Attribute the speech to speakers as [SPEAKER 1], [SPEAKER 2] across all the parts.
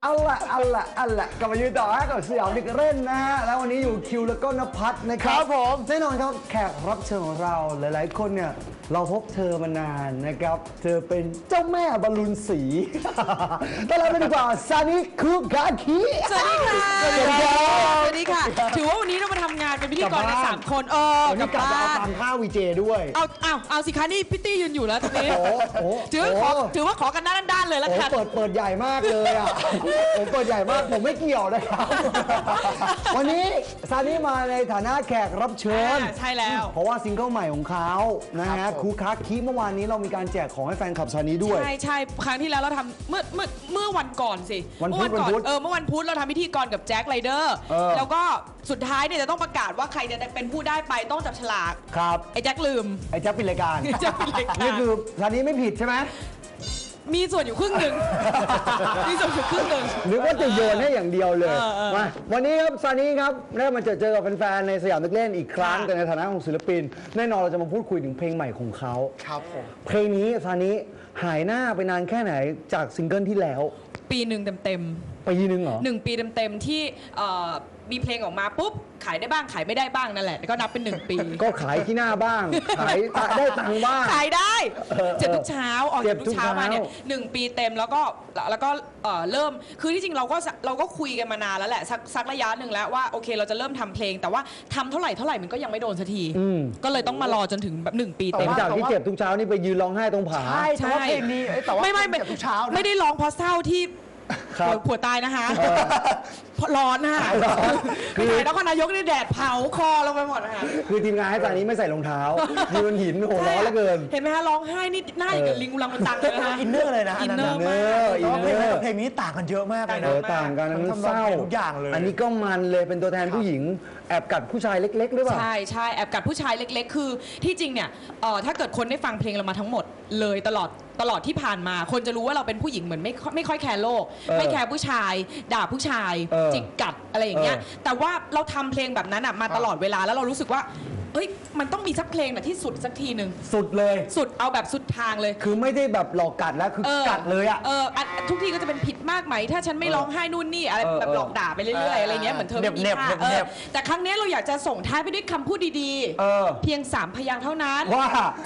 [SPEAKER 1] เอาละกลับมายืนต่อฮะกับสยามเด็กเล่นนะฮะแล้ววันนี้อยู่คิวแล้วก็นภัสนะครับผมแน่นอนครับแขกรับเชิญของเราหลายๆคนเนี่ยเราพบเธอมานานนะครับเธอเป็นเจ้าแม่บอลลูนสีต้อนรับเลยดีกว่าซานิคุกาคิ
[SPEAKER 2] สวัสดีค่ะ
[SPEAKER 1] สวัสดีครับ
[SPEAKER 2] สวัสดีค่ะถือว่าวันนี้เรามาทำงานเป็นพิธีกรกัน3 คน
[SPEAKER 1] วันนี้กลับมาเอาตามข้าววีเจด้วย
[SPEAKER 2] เอาสิคะนี่พิตตี้ยืนอยู่แล้วตรงนี้ถือว่าขอกันด้านเลยแล้วกัน
[SPEAKER 1] เปิดใหญ่มากเลยอ่ะผมเปิดใหญ่มากผมไม่เกี่ยวนะครับวันนี้ซานิมาในฐานะแขกรับเชิญ
[SPEAKER 2] ใช่แล้ว
[SPEAKER 1] เพราะว่าซิงเกิลใหม่ของเขานะฮะคูคาคิเมื่อวานนี้เรามีการแจกของให้แฟนคลับซานิด้วย
[SPEAKER 2] ใช่ครั้งที่แล้วเราทำเมื่อวันก่อนสิ
[SPEAKER 1] เมื่อวันพุธ
[SPEAKER 2] เราทำพิธีกรกับแจ็คไรเดอร์แล้วก็สุดท้ายเนี่ยจะต้องประกาศว่าใครจะเป็นผู้ได้ไปต้องจับฉลาก
[SPEAKER 1] ครับ
[SPEAKER 2] ไอ้แจ็คลืม
[SPEAKER 1] ไอ้แจ็คปิดรายการนี่คือซานิไม่ผิดใช่ไหม
[SPEAKER 2] มีส่วนอยู่ครึ่งหนึ่งมีส่วนอยู่ครึ่งหนึ่ง
[SPEAKER 1] หรือว่าจะโยนให้อย่างเดียวเลยมาวันนี้ครับซานิครับได้มาเจอกับแฟนๆในสยามเด็กเล่นอีกครั้งแต่ในฐานะของศิลปินแน่นอนเราจะมาพูดคุยถึงเพลงใหม่ของเขา
[SPEAKER 3] ครับผม
[SPEAKER 1] เพลงนี้ซานิหายหน้าไปนานแค่ไหนจากซิงเกิลที่แล้ว
[SPEAKER 2] ปีหนึ่งเต็ม
[SPEAKER 1] ปีนึงเหรอ
[SPEAKER 2] 1 ปีเต็มที่มีเพลงออกมาปุ๊บขายได้บ้างขายไม่ได้บ้างนั่นแหละก็นับเป็น1 ปี
[SPEAKER 1] ก็ขายที่หน้าบ้างขายได้ตังค์บ้าง
[SPEAKER 2] ขายได้เจ็บทุกเช้าออกทุกเช้ามาเนี่ย1 ปีเต็มแล้วก็เริ่มคือที่จริงเราก็คุยกันมานานแล้วแหละสักระยะหนึ่งแล้วว่าโอเคเราจะเริ่มทำเพลงแต่ว่าทำเท่าไหร่มันก็ยังไม่โดนสักทีก็เลยต้องมารอจนถึงแบบ1 ปีเต็ม
[SPEAKER 1] จากที่เจ็บทุกเช้านี่ไปยืนร้องไห้ตรงผา
[SPEAKER 3] ใช่เพลงนี้แต่ว่า
[SPEAKER 2] ไม่
[SPEAKER 3] เจ็บทุกเช้า
[SPEAKER 2] ไม่ได้ร้องเพราะเศร้าที่ผัวตายนะคะร้อนนะคะคือไหนนครนายกนี่แดดเผาคอลงไปหมดนะคะ
[SPEAKER 1] คือทีมงานให้ตอนนี้ไม่ใส่รองเท้ายืนบนหินโหร้อนเหลือเกิน
[SPEAKER 2] เห็นไหมคะร้องไห้นี่หน้าอย่างกับลิงอุลังมันตังเลยนะคะ
[SPEAKER 3] อินเนอร์เลยนะ
[SPEAKER 2] อินเนอร์ม
[SPEAKER 3] ากเพลงนี้ต่างกันเยอะมากเลยนะ
[SPEAKER 1] ต่างกันมันเศร้า
[SPEAKER 3] ทุกอย่างเลย
[SPEAKER 1] อันนี้ก็มันเลยเป็นตัวแทนผู้หญิงแอบกัดผู้ชายเล็กๆหรือเปล่า
[SPEAKER 2] ใช่แอบกัดผู้ชายเล็กๆคือที่จริงเนี่ยถ้าเกิดคนได้ฟังเพลงเรามาทั้งหมดเลยตลอดที่ผ่านมาคนจะรู้ว่าเราเป็นผู้หญิงเหมือนไม่ค่อยแคร์โลกไม่แคร์ผู้ชายด่าผู้ชายจิกกัดอะไรอย่างเงี้ยแต่ว่าเราทำเพลงแบบนั้นมาตลอดเวลาแล้วเรารู้สึกว่าเอ้ยมันต้องมีสักเพลงที่สุดสักทีหนึ่ง
[SPEAKER 1] สุดเลย
[SPEAKER 2] สุดเอาแบบสุดทางเลย
[SPEAKER 1] คือไม่ได้แบบหลอกกัดแล้วคือกัดเลย
[SPEAKER 2] ทุกทีก็จะเป็นผิดมากไหมถ้าฉันไม่ร้องไห้นู่นนี่อะไรแบบหลอกด่าไปเรื่อยๆอะไรเงี้ยเหมือนเธอไม่มีค่าแต่ครั้งนี้เราอยากจะส่งท้ายไปด้วยคำพูดดีๆเพียง3 พยางค์เท่านั้น
[SPEAKER 1] ว่า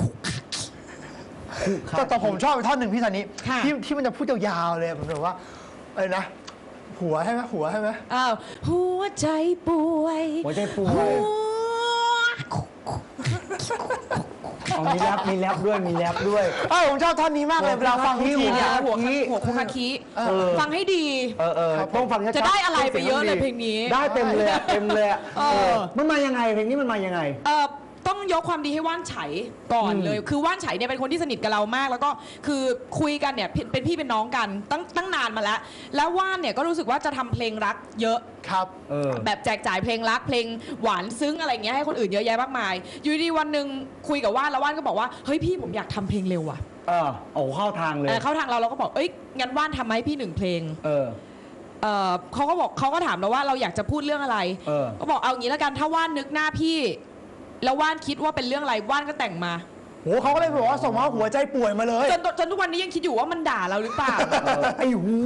[SPEAKER 3] แต่ผมชอบท่อนหนึ่งพี่สันนี้ที่มันจะพูดยาวๆเลยผมแบบว่าอะไรนะหัวใช่ไหม
[SPEAKER 2] หัวใจป่วย
[SPEAKER 1] มีแรปด้วย
[SPEAKER 3] ผมชอบท่อนนี้มากเลยเวลาฟังทีเนี่ย
[SPEAKER 2] หัวคุคาคิฟังให้ดี
[SPEAKER 1] ต้องฟัง
[SPEAKER 2] จะได้อะไรไปเยอะเลยเพลงนี้
[SPEAKER 1] ได้เต็มเลยมันมายังไงเพลงนี้มันมายังไง
[SPEAKER 2] ต้องยกความดีให้ว่านไฉก่อนเลยคือว่านไฉเนี่ยเป็นคนที่สนิทกับเรามากแล้วก็คือคุยกันเนี่ยเป็นพี่เป็นน้องกันตั้งนานมาแล้วว่านเนี่ยก็รู้สึกว่าจะทำเพลงรักเยอะ
[SPEAKER 3] ครับ
[SPEAKER 2] แบบแจกจ่ายเพลงรักเพลงหวานซึ้งอะไรเงี้ยให้คนอื่นเยอะแยะมากมายอยู่ดีวันหนึ่งคุยกับว่านแล้วว่านก็บอกว่าเฮ้ยพี่ผมอยากทำเพลงเร็วอ่ะ
[SPEAKER 1] เข้าทางเลย
[SPEAKER 2] เข้าทางเราก็บอกเอ้ยงั้นว่านทำให้พี่1 เพลงเขาก็ถามเราว่าเราอยากจะพูดเรื่องอะไรก็บอกเอางี้แล้วกันถ้าว่านนึกหน้าพี่แล้วว่านคิดว่าเป็นเรื่องอะไรว่านก็แต่งมา
[SPEAKER 3] เขาก็เลยบอกว่าส่งมาหัวใจป่วยมาเลย
[SPEAKER 2] จนทุกวันนี้ยังคิดอยู่ว่ามันด่าเราหรือเปล่า
[SPEAKER 1] ไอ้หู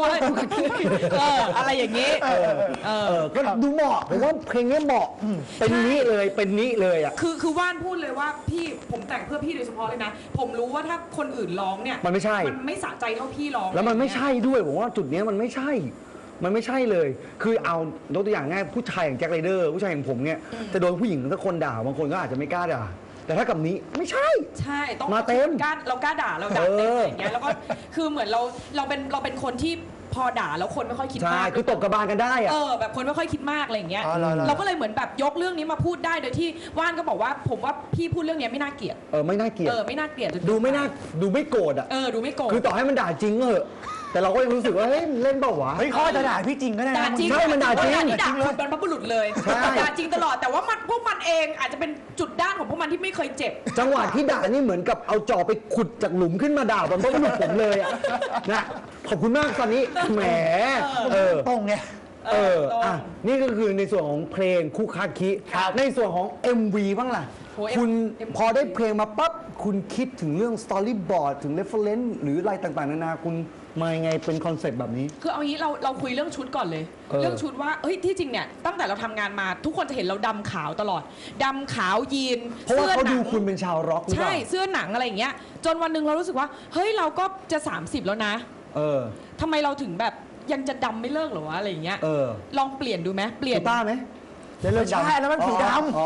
[SPEAKER 2] อะไรอย่างนี้
[SPEAKER 1] ก็ดูเหมาะผมว่าเพลงนี้เหมาะเป็นนี้เลยอ่ะ
[SPEAKER 2] คือว่านพูดเลยว่าพี่ผมแต่งเพื่อพี่โดยเฉพาะเลยนะผมรู้ว่าถ้าคนอื่นร้องเนี่ย
[SPEAKER 1] มันไม่ใช่
[SPEAKER 2] มันไม่สะใจเท่าพี่ร้อง
[SPEAKER 1] แล้วมันไม่ใช่ด้วยผมว่าจุดนี้มันไม่ใช่เลยคือเอายกตัวอย่างง่ายผู้ชายอย่างแจ็คไรเดอร์ผู้ชายอย่างผมเนี่ยจะโดนผู้หญิงสักคนด่าบางคนก็อาจจะไม่กล้าด่าแต่ถ้ากับนี้ไม่ใช่
[SPEAKER 2] ต้อง
[SPEAKER 1] มาเต็ม
[SPEAKER 2] เรากล้าด่าเราด่าเต็มอย่างเงี้ยแล้วก็คือเหมือนเราเป็นคนที่พอด่าแล้วคนไม่ค่อยคิดมาก
[SPEAKER 1] คือตบกระบาลกันได้
[SPEAKER 2] แบบคนไม่ค่อยคิดมากอะไรอย่างเงี้ยเราก็เลยเหมือนแบบยกเรื่องนี้มาพูดได้โดยที่ว่านก็บอกว่าผมว่าพี่พูดเรื่องนี้ไม่น่าเกลียด
[SPEAKER 1] ไม่น่าเกลียดดูไม่โกรธ
[SPEAKER 2] ดูไม่โกรธ
[SPEAKER 1] คือต่อให้มันด่าจริงเหอะแต่เราก็ยังรู้สึกว่าเฮ้ยเล่นเปล่าวะ
[SPEAKER 3] เขาจะด่าพี่จริงก็ได้
[SPEAKER 2] ด่าจริง
[SPEAKER 1] ใช่มันด่าจริง
[SPEAKER 2] ด่าคุณเป็นพระบุรุษเลยด่าจริงตลอดแต่ว่าพวกมันเองอาจจะเป็นจุดด้านของพวกมันที่ไม่เคยเจ็บ
[SPEAKER 1] จังหวะที่ด่านี่เหมือนกับเอาจอบไปขุดจากหลุมขึ้นมาด่าบนพระบุรุษผมเลยนะขอบคุณมากตอนนี้แหม
[SPEAKER 3] ตรงไง
[SPEAKER 1] นี่ก็คือในส่วนของเพลงคุคาคิในส่วนของ MV บ้างล่ะคุณพอได้เพลงมาปั๊บคุณคิดถึงเรื่องสตอรี่บอร์ดถึงเรฟเฟอเรนซ์หรืออะไรต่างๆนานาคุณมายังไงเป็นคอนเซ็ปต์แบบนี้
[SPEAKER 2] คือเอางี้เราคุยเรื่องชุดก่อนเลย เรื่องชุดว่าเฮ้ยที่จริงเนี่ยตั้งแต่เราทำงานมาทุกคนจะเห็นเราดำขาวตลอดดำขาวยีน
[SPEAKER 1] เพราะว่าเขาดูคุณเป็นชาวร็อกหรือเปล่า
[SPEAKER 2] ใช่เสื้อหนังอะไรอย่างเงี้ยจนวันหนึ่งเรารู้สึกว่าเฮ้ยเราก็จะ 30 แล้วนะ ทำไมเราถึงแบบยังจะดำไม่เลิกเหรอวะอะไรอย่างเงี้ยลองเปลี่ยนดูไหมเปลี่ยน
[SPEAKER 1] กีตาร์ไหมได้เลิกดำ
[SPEAKER 3] ใช่แล้วมันผิวดำ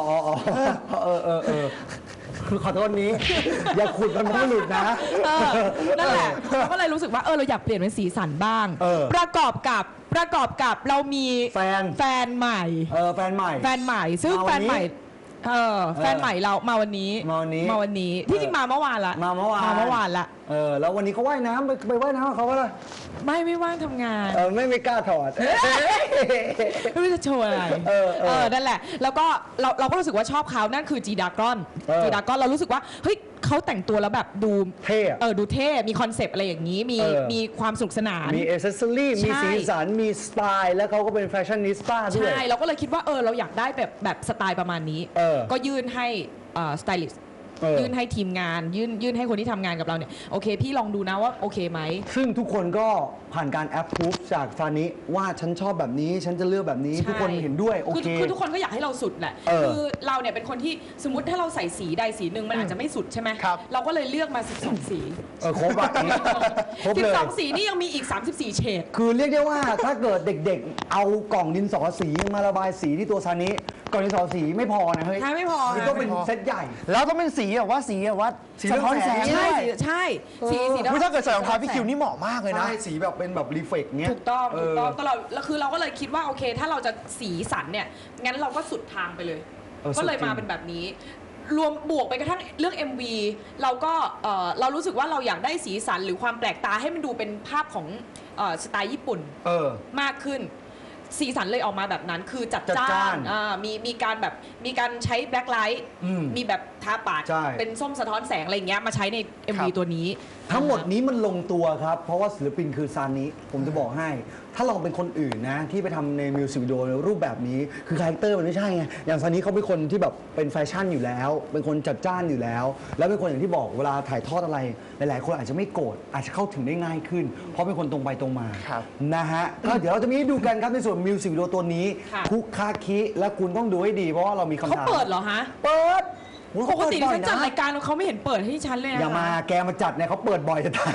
[SPEAKER 1] คือขอโทษนี้ อย่าขุดมันไม่หลุดนะ
[SPEAKER 2] นั่นแหละเราก็เลยรู้สึกว่าเราอยากเปลี่ยนเป็นสีสันบ้าง ประกอบกับเรามีแฟนใหม่
[SPEAKER 1] แฟนใหม่
[SPEAKER 2] ซึ่งแฟนใหม่แฟนใหม่เรามาวันนี้ที่จริงมาเมื่อวานละ
[SPEAKER 1] มาเมื่อวานละแล้ววันนี้เขาว่ายน้ำไปว่ายน้ำเขาก็เลย
[SPEAKER 2] ไม่ว่างทำงาน
[SPEAKER 1] ไม่กล้าถอด
[SPEAKER 2] ไม่รู้จะโชว์อะไรนั่นแหละแล้วก็เราก็รู้สึกว่าชอบเขานั่นคือจีดากอนเรารู้สึกว่าเฮ้ยเขาแต่งตัวแล้วแบบดู
[SPEAKER 1] เท่
[SPEAKER 2] ดูเท่มีคอนเซปต์อะไรอย่างนี้มีความสนุกสนาน
[SPEAKER 1] มีเอเซสซอรี่มีสีสันมีสไตล์แล้วเขาก็เป็นแฟชั่นนิสต้าด้วย
[SPEAKER 2] ใช่เราก็เลยคิดว่าเราอยากได้แบบสไตล์ประมาณนี้ก็ยื่นให้สไตลิสต์ยื่นให้ทีมงานยื่นให้คนที่ทำงานกับเราเนี่ยโอเคพี่ลองดูนะว่าโอเคไหม
[SPEAKER 1] ซึ่งทุกคนก็ผ่านการแอปพูฟจากฟานิว่าฉันชอบแบบนี้ฉันจะเลือกแบบนี้ทุกคนเห็นด้วยโอเค
[SPEAKER 2] คือทุกคนก็อยากให้เราสุดแหละคือเราเนี่ยเป็นคนที่สมมติถ้าเราใส่สีใดสีหนึ่งมันอาจจะไม่สุดใช่ไหมเราก็เลยเลือกมา12สี
[SPEAKER 1] ครบแบบนี้ครบเลย
[SPEAKER 2] 12สีนี่ยังมีอีก34เฉด
[SPEAKER 1] คือเรียกได้ว่าถ้าเกิดเด็กๆเอากล่องดินสอสีมาระบายสีที่ตัวซานิกล่องดินสอสีไม่พอนะเฮ้ย
[SPEAKER 2] ไม่พอ
[SPEAKER 1] คือต้องเป็นเซตใหญ่
[SPEAKER 3] แล้วต้องเป็นสีแบบว่าสีสะท้อนแสง
[SPEAKER 2] ใช่สี
[SPEAKER 3] ถ้าเกิดใส่รองเท้าพี่คิวนี่เหมาะมากเลยนะ
[SPEAKER 1] สีแบบเป็นแบบรีเฟกเงี้ย
[SPEAKER 2] ถูกต้องตลอดแล้วคือเราก็เลยคิดว่าโอเคถ้าเราจะสีสันเนี่ยงั้นเราก็สุดทางไปเลยก็เลยมาเป็นแบบนี้รวมบวกไปกระทั่งเรื่อง MV เราก็เรารู้สึกว่าเราอยากได้สีสันหรือความแปลกตาให้มันดูเป็นภาพของสไตล์ญี่ปุ่นมากขึ้นสีสันเลยออกมาแบบนั้นคือจัดจ้านมีการใช้แบล็คไลท์มีแบบทาปากเป็นส้มสะท้อนแสงอะไรอย่างเงี้ยมาใช้ใน MV ตัวนี้
[SPEAKER 1] ทั้งหมดนี้มันลงตัวครับเพราะว่าศิลปินคือซานิผมจะบอกให้ถ้าลองเป็นคนอื่นนะที่ไปทำในมิวสิกวิดีโอในรูปแบบนี้คือคาแรคเตอร์มันไม่ใช่ไงอย่างซานิเขาเป็นคนที่แบบเป็นแฟชั่นอยู่แล้วเป็นคนจัดจ้านอยู่แล้วแล้วเป็นคนอย่างที่บอกเวลาถ่ายทอดอะไรหลายๆคนอาจจะไม่โกรธอาจจะเข้าถึงได้ง่ายขึ้นเพราะเป็นคนตรงไปตรงมานะฮะก็เดี๋ยวเราจะมีให้ดูกันครับในส่วนมิวสิกวิดีโอตัวนี้คุกคาคิและคุณต้องดูให้ดีเพราะว่าเรามีคำถาม
[SPEAKER 2] เขาเปิดเหรอฮะ
[SPEAKER 1] เปิด
[SPEAKER 2] ปกติที่ฉันจัดรายการเขาไม่เห็นเปิดให้ฉันเลย
[SPEAKER 1] อย่ามาแกมาจัดเนี่ยเขาเปิดบ่อยจะตาย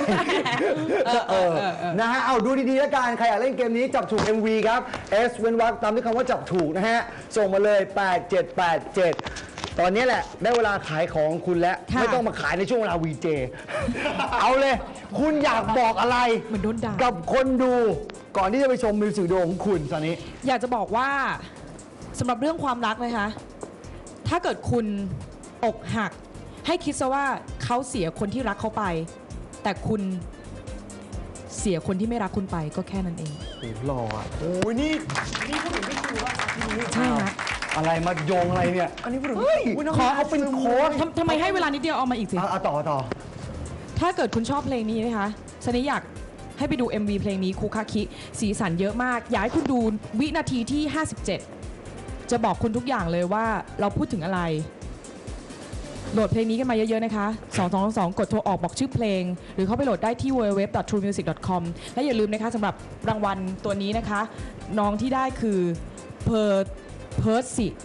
[SPEAKER 1] นะฮะเอาดูดีๆแล้วกันใครอยากเล่นเกมนี้จับถูก MV ครับ S เว้นวรรคตามด้วยคำว่าจับถูกนะฮะส่งมาเลย8787ตอนนี้แหละได้เวลาขายของคุณแล้วไม่ต้องมาขายในช่วงเวลา VJ เอาเลยคุณอยากบอกอะไรกับคนดูก่อนที่จะไปชมมิวสิกวิดีโอของคุณตอนนี้
[SPEAKER 2] อยากจะบอกว่าสำหรับเรื่องความรักนะคะถ้าเกิดคุณอกหักให้คิดซะว่าเขาเสียคนที่รักเขาไปแต่คุณเสียคนที่ไม่รักคุณไปก็แค่นั้นเอง
[SPEAKER 1] โอ้หล่ออ่ะโอ้ยนี่พูดถึงไม่คือว่า
[SPEAKER 2] ใช่ไหม
[SPEAKER 1] อะไรมาโยงอะไรเนี่ย
[SPEAKER 3] อันนี้พูดถึง
[SPEAKER 1] ขอเอาเป็นโค้ด
[SPEAKER 2] ทำไมให้เวลานิดเดียวเอามาอีกสิ
[SPEAKER 1] ต่อ
[SPEAKER 2] ถ้าเกิดคุณชอบเพลงนี้นะคะซันนี่อยากให้ไปดู MV เพลงนี้คูคาคิสีสันเยอะมากอยากให้คุณดูวินาทีที่57จะบอกคุณทุกอย่างเลยว่าเราพูดถึงอะไรโหลดเพลงนี้กันมาเยอะๆนะคะ2222กดโทรออกบอกชื่อเพลงหรือเข้าไปโหลดได้ที่ www.truemusic.com และอย่าลืมนะคะสำหรับรางวัลตัวนี้นะคะน้องที่ได้คือPercy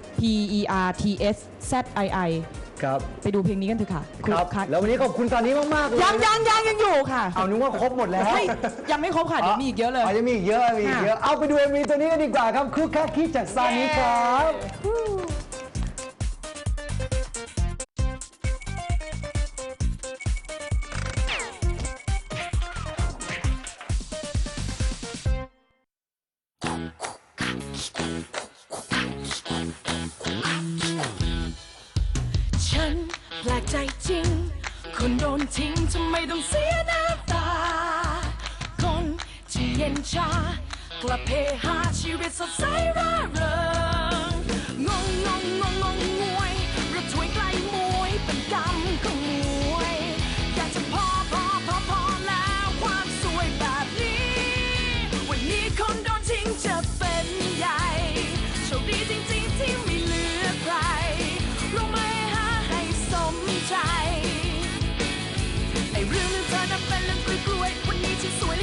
[SPEAKER 2] PERTSZII
[SPEAKER 1] ครับ
[SPEAKER 2] ไปดูเพลงนี้กันเถอะค่ะ
[SPEAKER 1] ครับแล้ววันนี้ขอบคุณตอนนี้มากๆเลย
[SPEAKER 2] ยังอยู่ค่ะ
[SPEAKER 1] เอานึกว่าครบหมดแล้ว
[SPEAKER 2] ยังไม่ครบค่ะเดี๋ยวมีอีกเยอะเลย
[SPEAKER 1] ยังมีอีกเยอะเอาไปดู MV ตัวนี้กันดีกว่าครับคุกคักคิดจากซานิครับ
[SPEAKER 4] แปลกใจจริงคนโดนทิ้งทำไมต้องเสียน้ำตาคนที่เย็นชากลับเพหาชีวิตสดใสร่าเริงงงวยระถวยไกลมวยเป็นกรรมของมวยอยากจะพอแล้วความสวยแบบนี้วันนี้คนโดนทิ้งจะเป็นใหญ่โชคดีจริงๆที่ไม่เหลือใครรู้ไหมไอ้เรื่องเธอนั้นเป็นเรื่องกล้วยวันนี้ที่สวย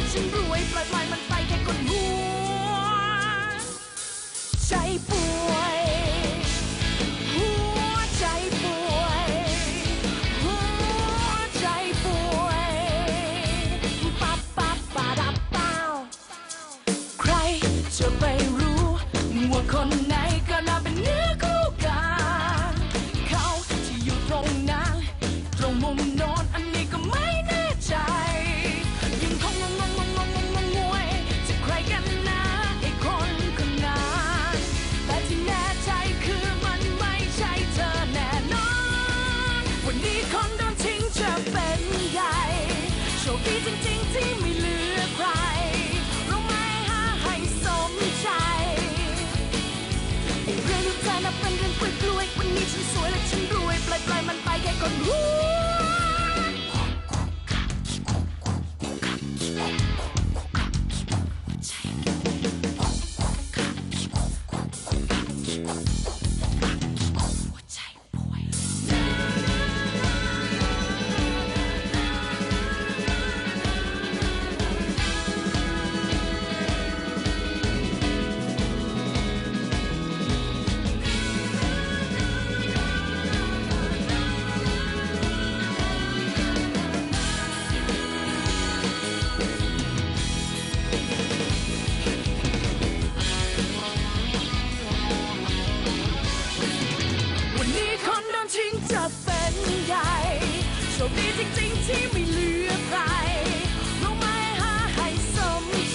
[SPEAKER 4] คนไหนก็น่าเป็นเนื้อคู่กันเขาที่อยู่ตรงนั้นตรงมุมโน้นอันนี้ก็ไม่แน่ใจยังคงงวยจะใครกันนะไอ้คนคนนั้นแต่ที่แน่ใจคือมันไม่ใช่เธอแน่นอนวันนี้คนโดนทิ้งจะเป็นใหญ่โชคดีจริงๆที่ไม่เหลือใครรู้ไหมหาให้สมใจไอ้เรื่องที่เธอนับเป็นเรื่องกล้วยๆวันนี้ฉันสวยและฉันรวยปล่อยมันไปแค่ก่อนรู้ วันนี้คนโดนทิ้งจะเป็นใหญ่โชคดีจริงๆที่ไม่เหลือใครรู้ไหมหาให้สมใจ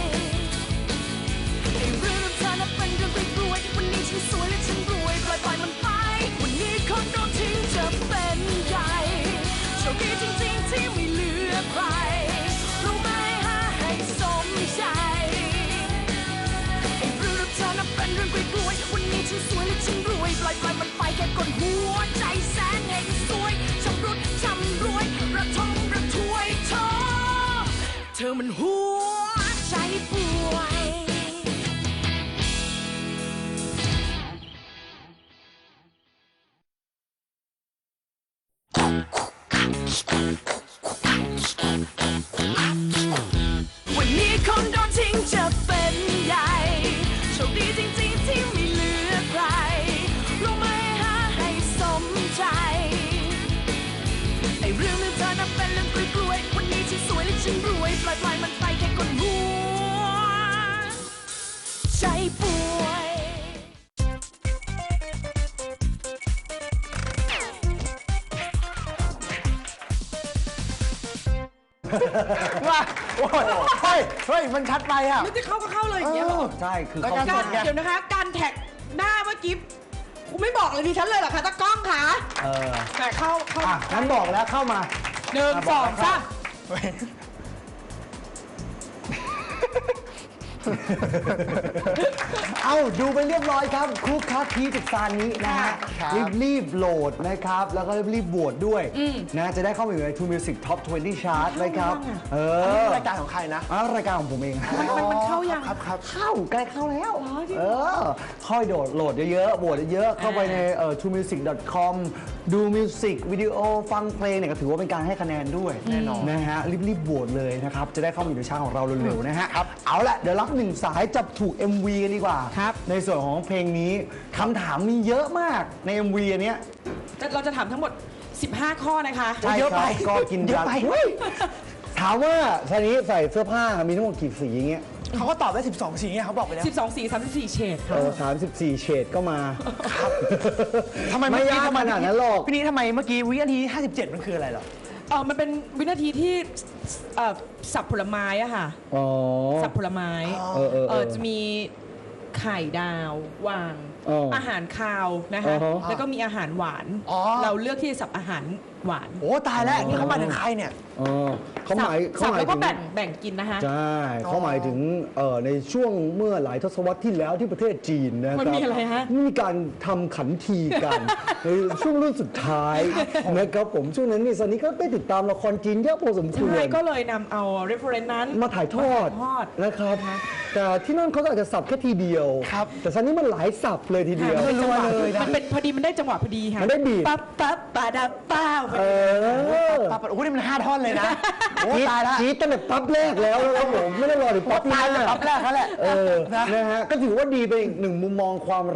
[SPEAKER 4] ไอ้เรื่องเธอนับเป็นเรื่องกล้วยๆวันนี้ฉันสวยและฉันรวยปล่อยมันไปวันนี้คนโดนทิ้งจะเป็นใหญ่โชคดีจริงๆที่ไม่เหลือใครรู้ไหมหาให้สมใจไอ้เรื่องเธอนับเป็นเรื่องกล้วยๆวันนี้ฉันสวยและฉันรวยปล่อยมันไปแค่ก่อนหัวใจแสนเฮงสวยชำรุดชำรวยระทมระทวยท้อเธอมันหัวใจป่วย วันนี้คนโดนทิ้งจะเป็นใหญ่โชคดีจริงๆที่ไม่เหลือใครรู้ไหมหาให้สมใจไอ้เรื่องเธอนับเป็นเรื่องกล้วยๆวันนี้ฉันสวยและฉันรวยปล่อยมันไปแค่ก่อนหัวใจป่วย
[SPEAKER 3] ว่าโอ้ยเฮ้ยมันชัดไปอ่ะ
[SPEAKER 2] ไม่จะเข้าก็เข้าเลยอย่างเงี้ยเหรอ
[SPEAKER 1] ใช่คือ
[SPEAKER 3] ราย
[SPEAKER 1] เขา
[SPEAKER 3] การส
[SPEAKER 2] การ
[SPEAKER 3] ดไง
[SPEAKER 2] เดี๋ยวนะคะ การแท็กหน้าเมื่อกี้กูไม่บอกเลยดิฉันเลยเหรอคะตากล้องคะ แต่เข้า
[SPEAKER 1] อ่ะงั้นบอกแล้วเข้ามา
[SPEAKER 2] หนึ่งสองสาม
[SPEAKER 1] เอาดูไปเรียบร้อยครับคุกคักคีจากซานนี้นะฮะ
[SPEAKER 3] ครับ
[SPEAKER 1] รีบโหลดนะครับ แล้วก็รีบโหวตด้วยนะจะได้เข้าไปอยู่ใน True Music Top 20 Chart นะครับ
[SPEAKER 3] รายการของใครนะ
[SPEAKER 1] รายการของผมเอง
[SPEAKER 2] มันเข้ายัง
[SPEAKER 3] ครับ
[SPEAKER 1] เข้าใกล้เข้าแล้วค่อยโหลดเยอะๆโหวตเยอะๆเข้าไปในtruemusic.com ดูมิวสิกวิดีโอฟังเพลงเนี่ยก็ถือว่าเป็นการให้คะแนนด้วยแน่นอนนะฮะรีบโหวตเลยนะครับจะได้เข้ามาอยู่ในชาร์ตของเราเร็วๆนะฮะเอาละเดี๋ยวรับหนึ่งสายจับถูก MV กันดีกว่า
[SPEAKER 2] ครับ
[SPEAKER 1] ในส่วนของเพลงนี้คำถามมีเยอะมากใน MV อันเนี้ย
[SPEAKER 2] เราจะถามทั้งหมด 15 ข้อนะคะ
[SPEAKER 1] ใช่
[SPEAKER 3] เยอะ
[SPEAKER 1] ค
[SPEAKER 3] ไป
[SPEAKER 1] รับก็กิน
[SPEAKER 3] เยอะไป
[SPEAKER 1] เฮ้ยถามว่าทีนี้ใส่เสื้อผ้ามีทั้งหมดกี่สีอย่างเงี้ย
[SPEAKER 3] เขาก็ตอบได้12สีไงเขาบอกไปแล้ว
[SPEAKER 2] 12 สี 34 เฉด
[SPEAKER 1] 34 เฉดก็มา
[SPEAKER 3] ทำไม
[SPEAKER 1] ไม่ยากขนาดนั้นหรอก
[SPEAKER 3] พี่นี้ทำไมเมื่อกี้วินาที57 มันคืออะไรเหรอ
[SPEAKER 2] มันเป็นวินาทีที่สับผลไม้อะค่ะ
[SPEAKER 1] อ๋อ
[SPEAKER 2] สับผลไม้
[SPEAKER 1] เออ
[SPEAKER 2] จะมีไข่ดาววาง อาหารคาวนะคะ
[SPEAKER 1] อ๋อ
[SPEAKER 2] แล้วก็มีอาหารหวาน
[SPEAKER 3] อ๋อ
[SPEAKER 2] เราเลือกที่จะสับอาหารหวาน
[SPEAKER 3] โอ้ตายแล้วนี่เขามาถึงใครเนี่ย
[SPEAKER 1] เขาหมาย
[SPEAKER 2] สับแล้วก็
[SPEAKER 1] ถึง
[SPEAKER 2] แบ่งกินนะคะ
[SPEAKER 1] ใช่เขาหมายถึงในช่วงเมื่อหลายทศวรรษที่แล้วที่ประเทศจีนนะครับ
[SPEAKER 2] มันมีอะไรฮะ
[SPEAKER 1] มีการทำขันทีกัน ในช่วงรุ่นสุดท้ายนะครับผมช่วงนั้นนี่ซันนี่ก็ได้ติดตามละครจีนเยอะพอสมคว
[SPEAKER 2] ใช่
[SPEAKER 1] ร
[SPEAKER 2] ก็เลยนำเอา reference นั้น
[SPEAKER 1] มาถ่ายทอด
[SPEAKER 2] มาถ่ายทอด
[SPEAKER 1] นะครับ แต่ที่นั่นเขาก็อาจจะสับแค่ทีเดียว
[SPEAKER 3] ครับ
[SPEAKER 1] แต่ซันนี่มันหลายสับเลยทีเดียว
[SPEAKER 2] มันจังหวะมันเป็นพอดีมันได้จังหวะพอดีค่ะ
[SPEAKER 1] มันได้บีท
[SPEAKER 2] ปั๊บปั๊บปาดับป้าวพอ
[SPEAKER 1] เอ
[SPEAKER 2] ดี
[SPEAKER 1] อ
[SPEAKER 3] ปั๊บโอ้โหนี่มัน5 ท่อนเลยนะ โอ้ตายแล้ว
[SPEAKER 1] จี๊ดตั้งแต่ปั๊บแรกแล้วนะครับผมไม่ได้รอถึงปั๊บ
[SPEAKER 3] ตาย
[SPEAKER 1] ห้า
[SPEAKER 3] เลยปั๊บแรกเขาแหละ
[SPEAKER 1] นะฮะก็ถือว่าดีไปอีกหนึ่งมุมมองความรัก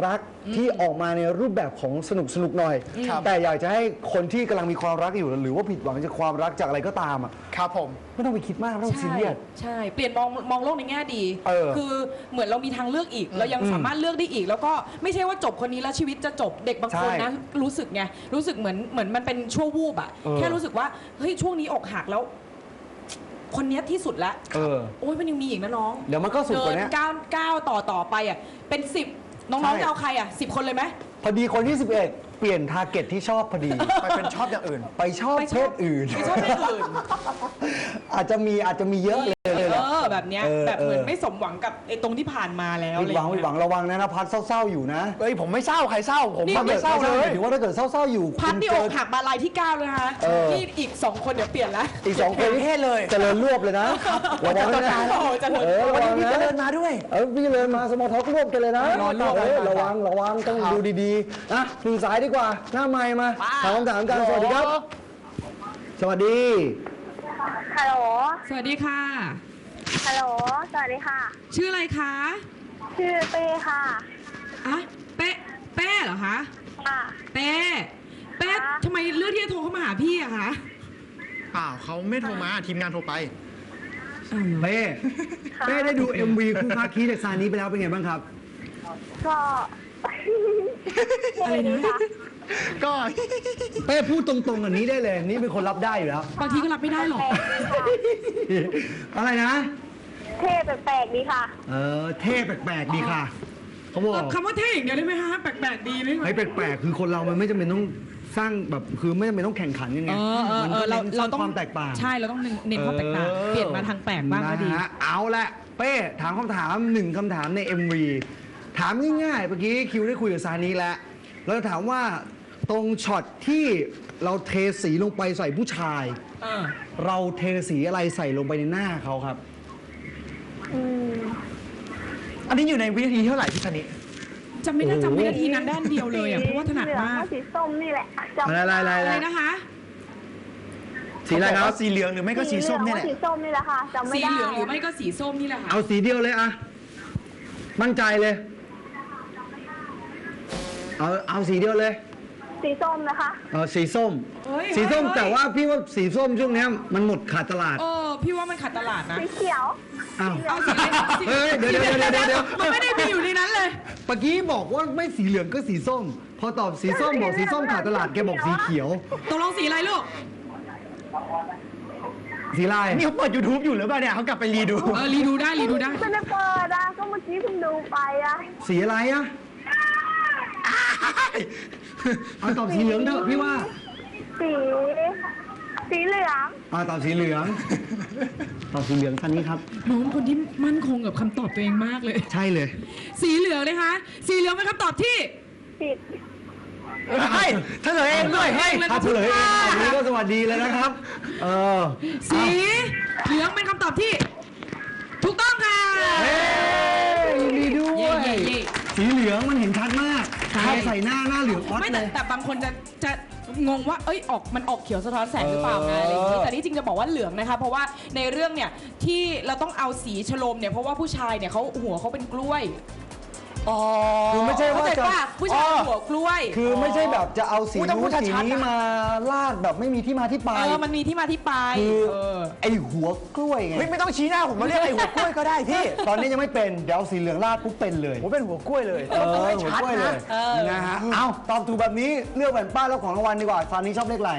[SPEAKER 1] ที่ออกมาในรูปแบบของสนุกหน่อย แต่อยากจะให้คนที่กำลังมีความรักอยู่หรือว่าผิดหวังจากความรักจากอะไรก็ตามอ่ะ
[SPEAKER 3] ครับผม
[SPEAKER 1] ไม่ต้องไปคิดมากไม่ต้องซีเรียส
[SPEAKER 2] ใช่ เปลี่ยนมองโลกในแง่ดี
[SPEAKER 1] เ
[SPEAKER 2] คือเหมือนเรามีทางเลือกอีก เรายังสามารถเลือกได้อีก แล้วก็ไม่ใช่ว่าจบคนนี้แล้วชีวิตจะจบเด็กบางคนนะ รู้สึกไง รู้สึกเหมือนมันเป็นชั่ววูบอะแค่รู้สึกว่าเฮ้ยช่วงนี้อกหักแล้ว คนเนี้ยที่สุดแล้วโอ้ยมันยังมีอีกนะน้อง
[SPEAKER 1] เดี๋ยวมันก็สุดกว่านี้
[SPEAKER 2] เดินก้าวต่อไปอะเป็น10น้องๆจะเอาใครอะ10 คนเลยไหม
[SPEAKER 1] พอดีคนที่ 11 เปลี่ยนทาร์เก็ตที่ชอบพอดี
[SPEAKER 3] ไปเป็นชอบอย่างอื่น
[SPEAKER 1] ไปชอบเพศอื่น
[SPEAKER 2] ไม่ชอบเพศอื่น
[SPEAKER 1] อาจจะมีเยอะเลยแหละ
[SPEAKER 2] แบบเนี้ยแบบเหมือนไม่สมหวังกับไอ้ตรงที่ผ่านมาแล้ว
[SPEAKER 1] ผิดหวัง
[SPEAKER 2] อะไร
[SPEAKER 1] ผิดหวังระวังนะพัดเศร้าๆอยู่นะ
[SPEAKER 3] เฮ้ยผมไม่เศร้าใครเศร้าผม
[SPEAKER 2] นี่
[SPEAKER 3] ไม่เศร้าเลย
[SPEAKER 1] ถือว่าถ้าเกิดเศร้าๆอยู่
[SPEAKER 2] พัดนี่
[SPEAKER 1] คุ
[SPEAKER 2] อ
[SPEAKER 1] ณ
[SPEAKER 2] กหักมาลายที่9เลยนะคะนี่อีก2 คนเดี๋ยวเปลี่ยนแล้ว
[SPEAKER 1] อีก2 คน
[SPEAKER 3] เพศเลย
[SPEAKER 1] เจริญรวบเลยนะระวังนะ
[SPEAKER 2] โอ้โหเจริญ
[SPEAKER 1] ระ
[SPEAKER 3] วัน
[SPEAKER 1] วั
[SPEAKER 3] นี้
[SPEAKER 1] ง
[SPEAKER 3] พี่
[SPEAKER 1] นะ
[SPEAKER 3] เจริญมาด้วย
[SPEAKER 1] พี่เลยมาสมอลท็อกรวบกันเลยนะ
[SPEAKER 3] รอรวบ
[SPEAKER 1] ระวังต้องดูดีๆนะหนึ่งสายดีกว่าหน้าไมค์มาถามคำถามกันสวัสดีครับ สวัสดี
[SPEAKER 5] ฮัลโหล
[SPEAKER 2] สวัสดีค่ะ
[SPEAKER 5] ฮัลโหล สวัสดีค่ะ
[SPEAKER 2] ชื่ออะไรคะ
[SPEAKER 5] ชื่อเป้ค่ะ
[SPEAKER 2] อะเป้เหรอคะ
[SPEAKER 5] ค่ะ
[SPEAKER 2] เป้ทำไมเลือกที่จะโทรเข้ามาหาพี่อะคะ
[SPEAKER 3] เปล่าเขาไม่โทรมาทีมงานโทรไป
[SPEAKER 1] เป้ได้ดู MV คู่ค้าคีจากซานี้ไปแล้วเป็นไงบ้างครับ
[SPEAKER 5] ก็
[SPEAKER 2] อะไรนะ
[SPEAKER 3] ก็
[SPEAKER 1] เป้พูดตรงๆอันนี้ได้เลยนี่เป็นคนรับได้อยู่แล้ว
[SPEAKER 2] บางทีก็รับไม่ได้หรอก
[SPEAKER 1] อะไรนะ
[SPEAKER 5] เท่แปลกๆดีค่ะ
[SPEAKER 1] เท่แปลกๆดีค่ะเขาบอก
[SPEAKER 2] คำว่าเท่อย่างเดียวได้ไหมคะแปลกๆดีไหมคะ
[SPEAKER 1] ให้แปลกๆคือคนเรามันไม่จำเป็นต้องสร้างแบบคือไม่จำเป็นต้องแข่งขันยังไงมันก็เน้นสร้างความแตกต่าง
[SPEAKER 2] ใช่เราต้องเน้นความแตกต่างเปลี่ยนมาทางแปลกบ้างก็ดี
[SPEAKER 1] นะฮะเอาละเป้ถามคำถาม1คำถามใน MV ถามง่ายๆเมื่อกี้คิวได้คุยกับซานีแล้วเราจะถามว่าตรงช็อตที่เราเทสีลงไปใส่ผู้ชาย เราเทสีอะไรใส่ลงไปในหน้าเขาครับ
[SPEAKER 3] อันนี้อยู่ในวินาทีที่เท่าไหร่พี่ชนิ
[SPEAKER 2] จำไม่ได้จำวินาทีนั้นด้านเดียวเลยอ่ะเพราะว่าถนัด
[SPEAKER 5] เหลือง
[SPEAKER 2] มาก
[SPEAKER 5] กับสีส้มนี่แหละจำ
[SPEAKER 1] อะไร
[SPEAKER 2] อะไรนะคะ
[SPEAKER 1] สีอะไรครับ
[SPEAKER 3] สีเหลืองหรือไม่ก็สีส้มเนี่ยแหละ
[SPEAKER 5] สีส้มนี่แหละค่ะจำไม่
[SPEAKER 2] สี
[SPEAKER 5] ได้
[SPEAKER 2] เหลืองหรือไม่ก็สีส้มนี่แหละค่ะ
[SPEAKER 1] เอาสีเดียวเลยอะมั่นใจเลย เอาสีเดียวเลย
[SPEAKER 5] สีส้มนะคะ
[SPEAKER 1] สีส้ม
[SPEAKER 2] เฮ้ย
[SPEAKER 1] สีส้ม
[SPEAKER 2] เฮ้ย
[SPEAKER 1] แต่ว่าพี่ว่าสีส้มช่วงเนี้ยมันหมดขาดตลาด
[SPEAKER 2] พี่ว่ามันขัดตลาดนะ
[SPEAKER 5] สีเขียว
[SPEAKER 1] อ้าว
[SPEAKER 2] เอาสีอะไรสี
[SPEAKER 1] เฮ้ยเดี๋ยว
[SPEAKER 2] มันไม่ได้มีอยู่ในนั้นเลย
[SPEAKER 1] เมื่อกี้บอกว่าไม่สีเหลืองก็สีส้ม พอตอบสีส้มบอกสีส้มขาดตลาดแกบอกสีเขียว
[SPEAKER 2] ตกลงสีอะไรลูก
[SPEAKER 1] สีลาย
[SPEAKER 3] นี่เขาเปิด YouTube อยู่หรือเปล่าเนี่ยเขากลับไปรีดู
[SPEAKER 2] รีดูได้
[SPEAKER 5] ไม่ได้เปิดอะก็เมื่อกี้เพิ่งดูไปอะ
[SPEAKER 1] สีอะไรอะเอาตอบสีเหลืองเถอะพี่ว่า
[SPEAKER 5] สีเหลือง
[SPEAKER 1] ตอบสีเหลือง ตอบสีเหลืองท่านนี้ครับ
[SPEAKER 2] น้องคนที่มั่นคงกับคำตอบตัวเองมากเลย
[SPEAKER 1] ใช่เลย
[SPEAKER 2] สีเหลืองเลยคะ สีเหลืองเป็นคำตอบที่
[SPEAKER 5] ผิด
[SPEAKER 3] เฮ้ยเฉลยเองด้วยเฮ้ย
[SPEAKER 1] ถ้าเฉลยเองอันนี้ก็สวัสดีเลยนะครับ
[SPEAKER 2] สีเหลืองเป็นคำตอบที่ ถูกต้องค่ะ
[SPEAKER 1] เฮ้ยยินดีด้วย
[SPEAKER 2] เย่
[SPEAKER 1] สีเหลืองมันเห็นชัดมาก
[SPEAKER 2] ใช่
[SPEAKER 1] ใครใส่หน้าเหลืองออส
[SPEAKER 2] ไม่
[SPEAKER 1] เล
[SPEAKER 2] แต่
[SPEAKER 1] ย
[SPEAKER 2] แต่บางคนจะงงว่าเอ้ยมันออกเขียวสะท้อนแสงหรือเปล่าไงอะไรอย่างนี้แต่ที่จริงจะบอกว่าเหลืองนะคะเพราะว่าในเรื่องเนี่ยที่เราต้องเอาสีชโลมเนี่ยเพราะว่าผู้ชายเนี่ยเขาหัวเขาเป็นกล้วย
[SPEAKER 1] คือไม่ใช่ว่า
[SPEAKER 2] เข้าใจ
[SPEAKER 1] จะ
[SPEAKER 2] ป่ะผู้ชายหัวกล้วย
[SPEAKER 1] คือไม่ใช่แบบจะเอาสี
[SPEAKER 3] อุ๊ยต้องพู
[SPEAKER 1] นู้
[SPEAKER 3] ด
[SPEAKER 1] นสี
[SPEAKER 3] ชัดๆ
[SPEAKER 1] นี้
[SPEAKER 3] นะ
[SPEAKER 1] มาลาดแบบไม่มีที่มาที่ไป
[SPEAKER 2] มันมีที่มาที่ไป
[SPEAKER 1] คือไอหัวกล้วยไง
[SPEAKER 3] เฮ้ยไม่ต้องชี้หน้าผมมาเรียกไอ้หัวกล้วยก็ได้พี่
[SPEAKER 1] ตอนนี้ยังไม่เป็นเดี๋ยวเอาสีเหลืองลาดปุ๊บเป็นเลย
[SPEAKER 3] ผมเป็นหัวกล้วยเลย
[SPEAKER 1] หัว
[SPEAKER 3] ต้องให้
[SPEAKER 1] ก
[SPEAKER 3] ชัด
[SPEAKER 1] ล้วยเล
[SPEAKER 3] นะ
[SPEAKER 1] ยนะฮะเอาตอบถูกแบบนี้เลือกแผ่นป้ายแล้วของรางวัลดีกว่าซานี้ชอบเลขอะไร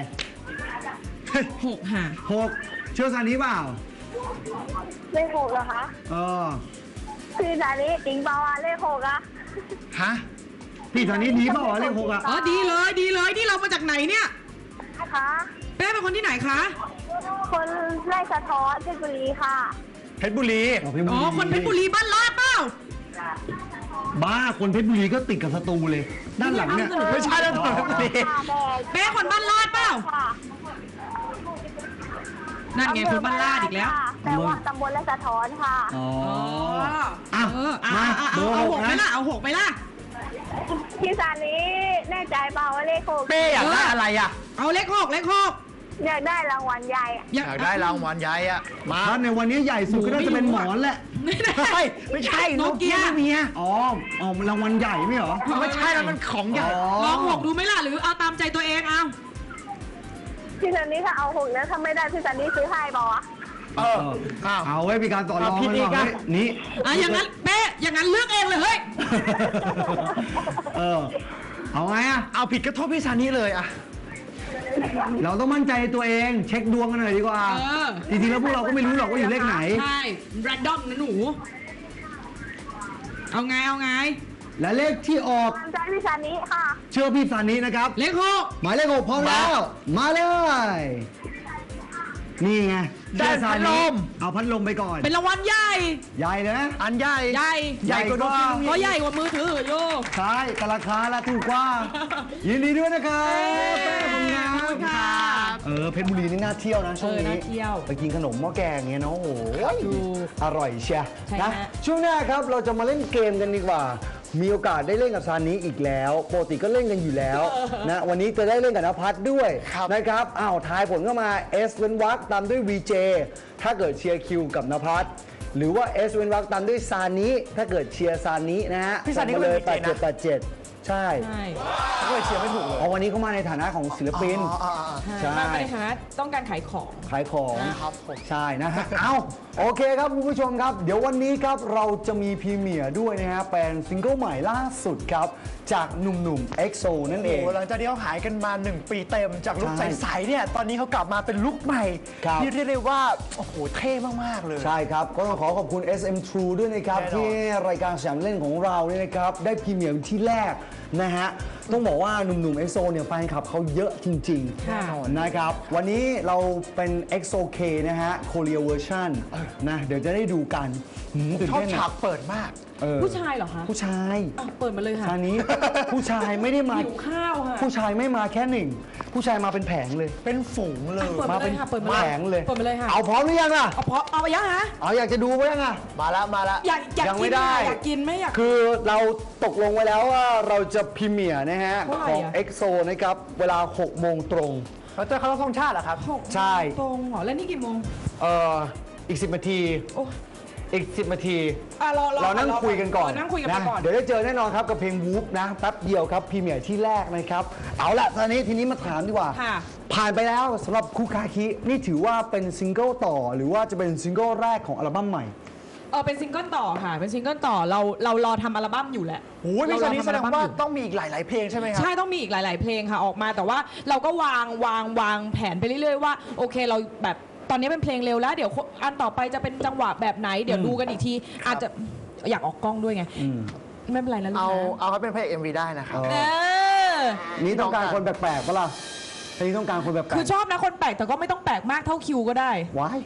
[SPEAKER 2] 6 ค่ะ
[SPEAKER 1] 6เชื่อซานี้เปล่า
[SPEAKER 5] เลขหกเหรอคะ คือสานี้จริงเปล่าอะเลขหกอะ
[SPEAKER 3] ฮะ
[SPEAKER 1] พี่ซานี้ดีเปล่าวะเลข6อ่ะ
[SPEAKER 2] อ๋อดีเลยนี่เรามาจากไหนเนี่ย
[SPEAKER 5] คะ
[SPEAKER 2] เป้เป็นคนที่ไหนคะ
[SPEAKER 5] คนไร่สะท้อนเพชรบุรีค่ะ
[SPEAKER 3] เพชรบุรี
[SPEAKER 2] อ๋อคนเพชรบุรีบ้านลาดเปล่า
[SPEAKER 1] บ้าคนเพชรบุรีก็ติดกับสตูเลย ด้านหลังเนี่ย
[SPEAKER 3] ไม่ใช่แล้วเพชรบุรี
[SPEAKER 5] ค่ะแบก
[SPEAKER 2] เป้คนบ้านลาดเปล่า
[SPEAKER 5] ค่ะ
[SPEAKER 2] นั่นไงคนบ้านลาดอีกแล้ว
[SPEAKER 5] ค่ะแต่ว่าตำบลไร่สะท้อนค่ะ
[SPEAKER 1] อ๋อ
[SPEAKER 2] เอาหกไหมล่ะเอาหกไหมล่ะ
[SPEAKER 5] พี่สานี้แน่ใจเปล่าว่าเลขหก
[SPEAKER 3] เป้อยากได้อะไรอ่ะ
[SPEAKER 2] เอาเลขหก
[SPEAKER 5] อยากได้รางวัลใหญ่อะ
[SPEAKER 3] อยากได้รางวัลใหญ่อ่ะ มา
[SPEAKER 1] ถ้าในวันนี้ใหญ่สุดก็น่าจะเป็นหมอนแหละ
[SPEAKER 3] ไม่ใช่
[SPEAKER 2] โนเกีย
[SPEAKER 3] ไม่มีอะ
[SPEAKER 1] อ๋อรางวัลใหญ่ไม่เหรอ
[SPEAKER 3] ไม่ใช่แล้วมันของใหญ่
[SPEAKER 2] ลอง6ดูไหมล่ะหรือเอาตามใจตัวเองเอา
[SPEAKER 5] พี่ซันนี่ถ้าเอา6แล้วถ้าไม่ได้พี่ซันนี่ซื้อให้บอ
[SPEAKER 1] เอาไว้มีการต่อรอง
[SPEAKER 3] ผิด
[SPEAKER 1] กัน
[SPEAKER 3] อีก
[SPEAKER 1] ว่า
[SPEAKER 3] อะ
[SPEAKER 1] เฮ้ยนี่
[SPEAKER 2] อย่างนั้นเป๊ะอย่างนั้นเลือกเองเลยเฮ้ย
[SPEAKER 1] เอาไงอะ
[SPEAKER 3] เอาผิดก็โทษพี่ซานี่เลยอะ
[SPEAKER 1] เราต้องมั่นใจในตัวเองเช็คดวงกันหน่อยดีกว่า จริงๆแล้วพวกเราก็ไม่รู้หรอกว่าอยู่เลขไหน
[SPEAKER 2] ใช่แรนดอมนะหนู เอาไง
[SPEAKER 1] และเลขที่ออก
[SPEAKER 5] ตามใจพี่ซันนี่ค่ะ
[SPEAKER 1] เชื่อพี่ซานินะครับ
[SPEAKER 2] เลข
[SPEAKER 1] หมายเลข6พร้อมแล้ว มาเลย นี่ไง
[SPEAKER 3] ได้
[SPEAKER 1] เชื่อซา
[SPEAKER 3] พัดล
[SPEAKER 1] นิ
[SPEAKER 3] ม
[SPEAKER 1] เอาพัดลมไปก่อน
[SPEAKER 2] 6เป็นรางวัลใหญ่
[SPEAKER 1] ใหญ่เลยนะ
[SPEAKER 3] อันใหญ่
[SPEAKER 2] ใหญ่
[SPEAKER 3] ใหญ่กว่าโดน
[SPEAKER 2] ก็ใหญ่กว่ามือถือโย
[SPEAKER 1] ใช่แต่ราคาละถูกกว่า ยินดีด้วยนะครับแป้งของงา
[SPEAKER 2] ขอบคุณค่ะ
[SPEAKER 1] เพชรบุรีนี่น่าเที่ยวนะช่วงนี้
[SPEAKER 2] น่าเที่ยว
[SPEAKER 1] ไปกินขนมหม้อแกงเงี้ยเนาะโอ้โห
[SPEAKER 2] ถูก
[SPEAKER 1] อร่อยเชีย
[SPEAKER 2] ใช่
[SPEAKER 1] นะ
[SPEAKER 2] ฮะ
[SPEAKER 1] ช่วงหน้าครับเราจะมาเล่นเกมกันดีกว่า มีโอกาสได้เล่นกับซานิอีกแล้วปกติก็เล่นกันอยู่แล้วนะวันนี้จะได้เล่นกับนภัสด้วยนะครับอ้าวทายผลเข้ามา S เว้นวรรคตามด้วย VJ ถ้าเกิดเชียร์คิวกับนภัสหรือว่า S เว้นวรรคตามด้วยซานิถ้าเกิดเชียร์ซานินะฮะ
[SPEAKER 3] พี่ซานิ
[SPEAKER 1] ส่ง
[SPEAKER 3] ก็
[SPEAKER 1] มา
[SPEAKER 3] เป็น
[SPEAKER 1] เลย
[SPEAKER 3] VJ นะ
[SPEAKER 1] 8787 ใช่
[SPEAKER 2] ใช่
[SPEAKER 3] ก็เลยเชียร์ไม่ถูกเลย
[SPEAKER 1] เอาวันนี้เขามาในฐานะของศิลปิน ใช่
[SPEAKER 2] มาในฐานะต้องการขายของ
[SPEAKER 1] ขายของ
[SPEAKER 3] ครับผม
[SPEAKER 1] ใช่นะฮะ เอาโอเคครับคุณผู้ชมครับ เดี๋ยววันนี้ครับเราจะมีพรีเมียร์ด้วยนะฮะเป็นซิงเกิลใหม่ล่าสุดครับ จากหนุ่มๆ EXO นั่นเอง
[SPEAKER 3] โอ้หลังจากที่เขาหายกันมา 1 ปีเต็มจากลุค
[SPEAKER 1] ใช่
[SPEAKER 3] ใสๆเนี่ยตอนนี้เขากลับมาเป็นลุคใหม่
[SPEAKER 1] ครับ
[SPEAKER 3] ที่เรียกได้ว่า โอ้โห เท่มาก ๆ เลย
[SPEAKER 1] ใช่ครับ ก็ต้องขอขอบคุณ SM True ด้วยนะครับ
[SPEAKER 3] แน่นอน
[SPEAKER 1] ที่รายการสยามเล่นของเราเนี่ยนะครับ ได้พรีเมียร์ที่แรกนะฮะ ต้องบอกว่าหนุ่มๆ EXO เนี่ยแฟนคลับเขาเยอะจริง
[SPEAKER 2] ค่ะ
[SPEAKER 1] ๆนะครับ วันนี้เราเป็น EXO K นะฮะ Korea Version นะเดี๋ยวจะได้ดูกันตื่น
[SPEAKER 3] ชอบ
[SPEAKER 1] เต้น
[SPEAKER 3] ฉา
[SPEAKER 1] อะ
[SPEAKER 3] กเปิดมาก
[SPEAKER 2] ผู้ชายเหรอคะ
[SPEAKER 1] ผู้ชาย
[SPEAKER 2] อ่ะเปิดมาเลยค่ะ
[SPEAKER 1] ซานิผู้ชายไม่ได้มา
[SPEAKER 2] หิวข้าวค่ะ
[SPEAKER 1] ผู้ชายไม่มาแค่หนึ่ง ผู้ชายมาเป็นแผงเลย
[SPEAKER 3] เป็นฝูงเลย
[SPEAKER 2] เปิดมาเลยค่ะเปิดมา
[SPEAKER 1] แผงเลย
[SPEAKER 2] เปิดมาเลยค่ะ
[SPEAKER 1] เอาพร้อมหรือยังอ่ะ
[SPEAKER 2] เอาไปยังฮะ
[SPEAKER 1] เอาอยากจะดูไหมยังอ่ะ
[SPEAKER 3] มาแล้ว
[SPEAKER 2] อยาก
[SPEAKER 1] ยัง
[SPEAKER 2] กิ
[SPEAKER 1] ไม่
[SPEAKER 2] น
[SPEAKER 1] ได้
[SPEAKER 2] อะอยากกินไหมอยาก
[SPEAKER 1] คือเราตกลงไว้แล้วว่าเราจะพรีเมียร์นะฮะ
[SPEAKER 2] เท่าไหร่
[SPEAKER 1] ของ
[SPEAKER 2] อะ
[SPEAKER 1] EXO นะครับ เวลา 6 โมงตรง
[SPEAKER 3] เขาจะเขาต้องท่องชาติเหรอครับ
[SPEAKER 1] ใช่
[SPEAKER 2] ตรงเหรอแล้วนี่กี่โมง
[SPEAKER 1] อีก 10 นาที
[SPEAKER 2] โอ้
[SPEAKER 1] อีก 10 นาที
[SPEAKER 2] อ่ะรอ
[SPEAKER 1] เรานั่งคุยกันก่อน
[SPEAKER 2] นั่งคุยกันไปก่อน
[SPEAKER 1] เดี๋ยวได้เจอแน่นอนครับกับเพลงวูฟนะแป๊บเดียวครับพรีเมียร์ที่แรกนะครับ เอาละตอนนี้ทีนี้มาถามดีกว่า
[SPEAKER 2] ค่ะ
[SPEAKER 1] ผ่านไปแล้วสำหรับคุคาคินี่ถือว่าเป็นซิงเกิลต่อ หรือว่าจะเป็นซิงเกิลแรกของอัลบั้มใหม่
[SPEAKER 2] เป็นซิงเกิลต่อค่ะ เป็นซิงเกิลต่อเรารอทำอัลบั้มอยู่แหละ
[SPEAKER 3] โอ้ยพี่ซานิแสดง
[SPEAKER 2] เรรอทำอัลบั้ม
[SPEAKER 3] ว่า
[SPEAKER 2] อยู่
[SPEAKER 3] ต้องมีอีกหลาย ๆ เพลงใช่ไหมครับ
[SPEAKER 2] ใช่ต้องมีอีกหลาย ๆ เพลงค่ะออกมาแต่ว่าเราก็วางแผนไปเรื่อย ๆ ว่าโอเคเราแบบตอนนี้เป็นเพลงเร็วแล้ว เดี๋ยวอันต่อไปจะเป็นจังหวะแบบไหน เดี๋ยวดูกันอีกที อาจจะอยากออกกล้องด้วยไงไม่เป็นไรนะลูก
[SPEAKER 3] เอาให้เป็นเพลง MV ได้นะครับ
[SPEAKER 1] เอ
[SPEAKER 2] เออ
[SPEAKER 1] นี่ต้องการคนแปลกๆปะล่ะทีนี้ต้องการคนแบบแปลก
[SPEAKER 2] คือชอบนะคนแปลกแต่ก็ไม่ต้องแปลกมากเท่าคิวก็ได้
[SPEAKER 1] ว้าย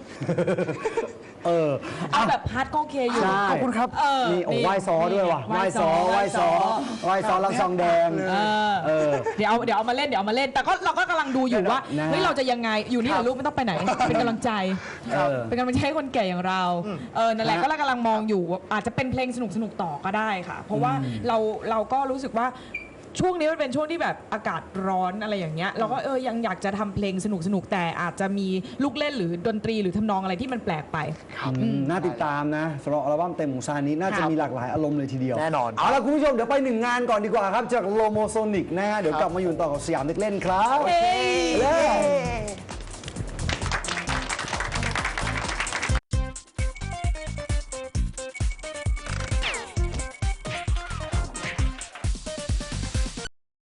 [SPEAKER 2] เอาแบบฮาร์ดก็โอเคอยู่
[SPEAKER 1] ใช่
[SPEAKER 3] ขอบคุณครับ
[SPEAKER 1] นี่โอ้ไหว้ซอด้วยว่ะไหว้ซอรับซองแดง
[SPEAKER 2] เดี๋ยวเอามาเล่นแต่ก็เราก็กำลังดูอยู่ว่า
[SPEAKER 1] นะ
[SPEAKER 2] เฮ้ยเราจะยังไงอยู่นี่เหรอลูกไม่ต้องไปไหนเป็นกำลังใจ
[SPEAKER 1] ครับ
[SPEAKER 2] เป็นกำลังใจให้คนแก่อย่างเรานั่นแหละ
[SPEAKER 1] ฮะ
[SPEAKER 2] ก็เรากำลังมองอยู่ว่าอาจจะเป็นเพลงสนุกต่อก็ได้ค่ะ เพราะว่าเราก็รู้สึกว่าช่วงนี้มันเป็นช่วงที่แบบอากาศร้อนอะไรอย่างเงี้ยเราก็ยังอยากจะทำเพลงสนุกแต่อาจจะมีลูกเล่นหรือดนตรีหรือทำนองอะไรที่มันแปลกไป
[SPEAKER 1] น่าติดตามนะสำหรับอัลบั้มเต็มของซานิน่าจะมีหลากหลายอารมณ์เลยทีเดียว
[SPEAKER 3] แน่นอน
[SPEAKER 1] เอาละคุณผู้ชมเดี๋ยวไปหนึ่งงานก่อนดีกว่าครับ จากโลโมโซนิกนะฮะเดี๋ยวกลับมาอยู่ต่อกับสยามเด็กเล่นครับ
[SPEAKER 2] เฮ้ย
[SPEAKER 1] เลย